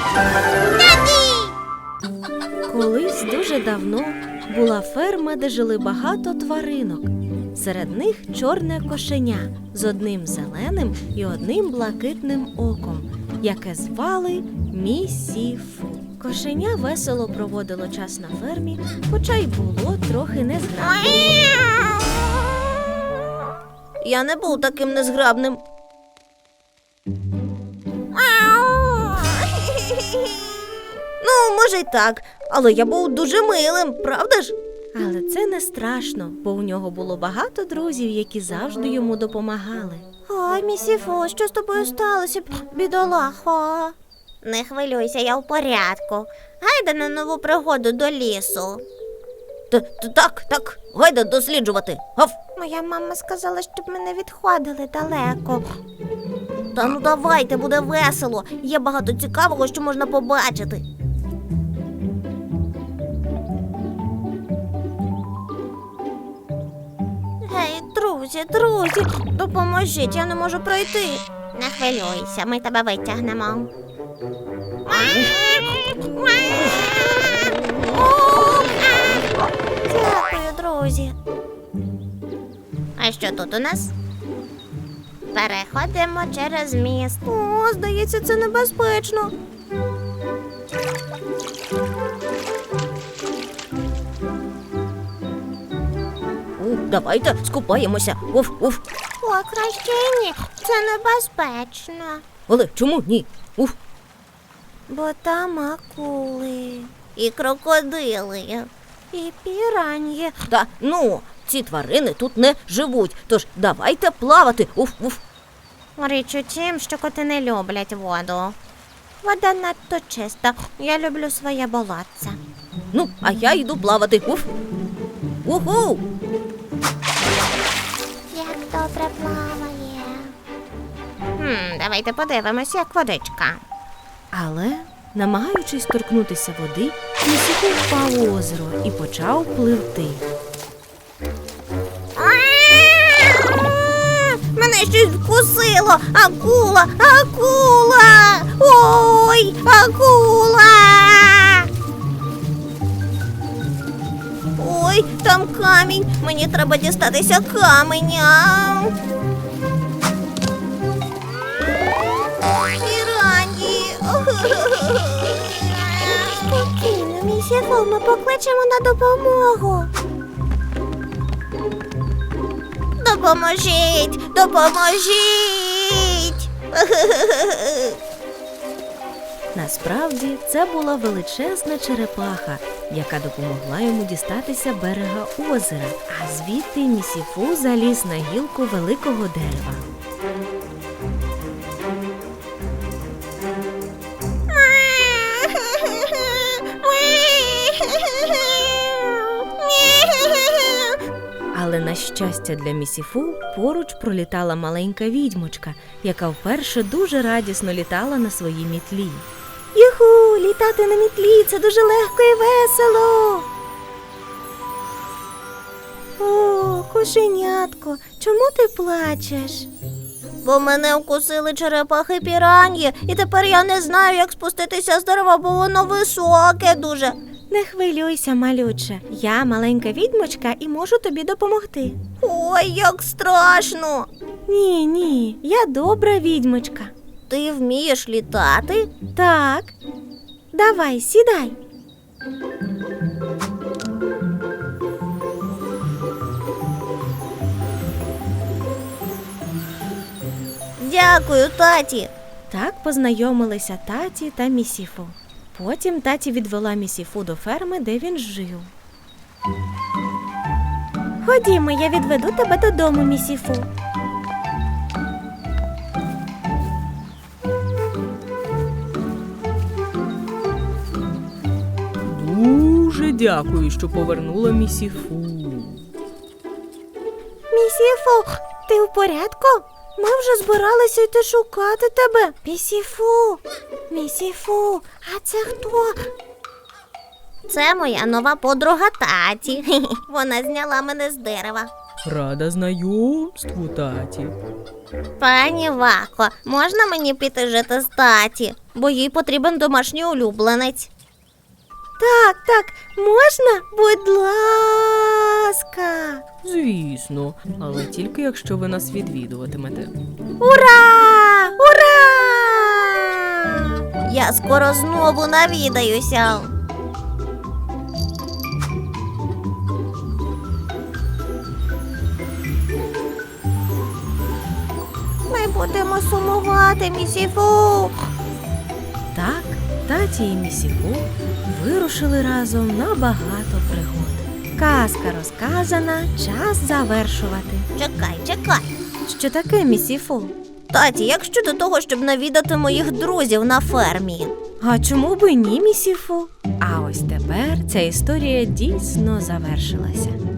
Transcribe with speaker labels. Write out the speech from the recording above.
Speaker 1: Колись дуже давно була ферма, де жили багато тваринок. Серед них чорне кошеня з одним зеленим і одним блакитним оком, яке звали Місіфу. Кошеня весело проводило час на фермі, хоча й було трохи незграбним.
Speaker 2: Я не був таким незграбним. Ну, може й так, але я був дуже милим, правда ж?
Speaker 1: Але це не страшно, бо у нього було багато друзів, які завжди йому допомагали.
Speaker 2: Ой, Місіфу, що з тобою сталося, бідолахо? Не хвилюйся, я в порядку. Гайда на нову пригоду до лісу. Так, гайда досліджувати. Гав! Моя мама сказала, щоб ми не відходили далеко. Та ну давайте, буде весело. Є багато цікавого, що можна побачити. Гей, друзі, допоможіть, я не можу пройти. Не хвилюйся, ми тебе витягнемо. Дякую, друзі. А що тут у нас? Переходимо через міст. О, здається, це небезпечно. Давайте скупаємося. Уф. О, краще ні. Це небезпечно. Але чому ні? Уф. Бо там акули. І крокодили. І піраньї. Та ну, ці тварини тут не живуть, тож давайте плавати. Уф. Річ у тім, що коти не люблять воду. Вода надто чиста. Я люблю своє болотце. Ну, а я йду плавати. Уф. Уху! Як добре плаває. Давайте подивимося, як водичка.
Speaker 1: Але, намагаючись торкнутися води, Місіфу впав у озеро і почав пливти.
Speaker 2: Мене щось вкусило! Акула! Ой, акула! Ой, там камінь! Мені треба дістатися каменя! Піраньї! Спокійно, Місіфу, ми покличемо на допомогу. Допоможіть!
Speaker 1: Насправді, це була величезна черепаха, яка допомогла йому дістатися берега озера, а звідти Місіфу заліз на гілку великого дерева. Але, на щастя для Місіфу, поруч пролітала маленька відьмочка, яка вперше дуже радісно літала на своїй мітлі.
Speaker 2: Юху, літати на мітлі – це дуже легко і весело. О, кошенятко, чому ти плачеш? Бо мене вкусили черепахи піраньї, і тепер я не знаю, як спуститися з дерева, бо воно високе дуже.
Speaker 1: Не хвилюйся, малюче. Я маленька відьмочка і можу тобі допомогти.
Speaker 2: Ой, як страшно.
Speaker 1: Ні, я добра відьмочка.
Speaker 2: Ти вмієш літати?
Speaker 1: Так. Давай, сідай.
Speaker 2: Дякую, таті.
Speaker 1: Так познайомилися таті та Місіфу. Потім таті відвела Місіфу до ферми, де він жив. Ходімо, я відведу тебе додому, Місіфу.
Speaker 3: Дуже дякую, що повернула Місіфу.
Speaker 2: Місіфу, ти в порядку? Ми вже збиралися йти шукати тебе. Місіфу, а це хто? Це моя нова подруга таті. Вона зняла мене з дерева.
Speaker 3: Рада знайомству, таті.
Speaker 2: Пані Вако, можна мені піти жити з таті? бо їй потрібен домашній улюбленець.
Speaker 1: Так, можна? Будь ласка.
Speaker 3: Звісно, але тільки якщо ви нас відвідуватимете.
Speaker 1: Ура! Ура!
Speaker 2: Я скоро знову навідаюся. Ми будемо сумувати, місіфу.
Speaker 1: Так, таті і місіфу вирушили разом на багато пригод. Казка розказана, час завершувати.
Speaker 2: Чекай.
Speaker 1: Що таке, місіфу?
Speaker 2: Таті, як щодо того, щоб навідати моїх друзів на фермі?
Speaker 1: А чому би ні, місіфу? А ось тепер ця історія дійсно завершилася.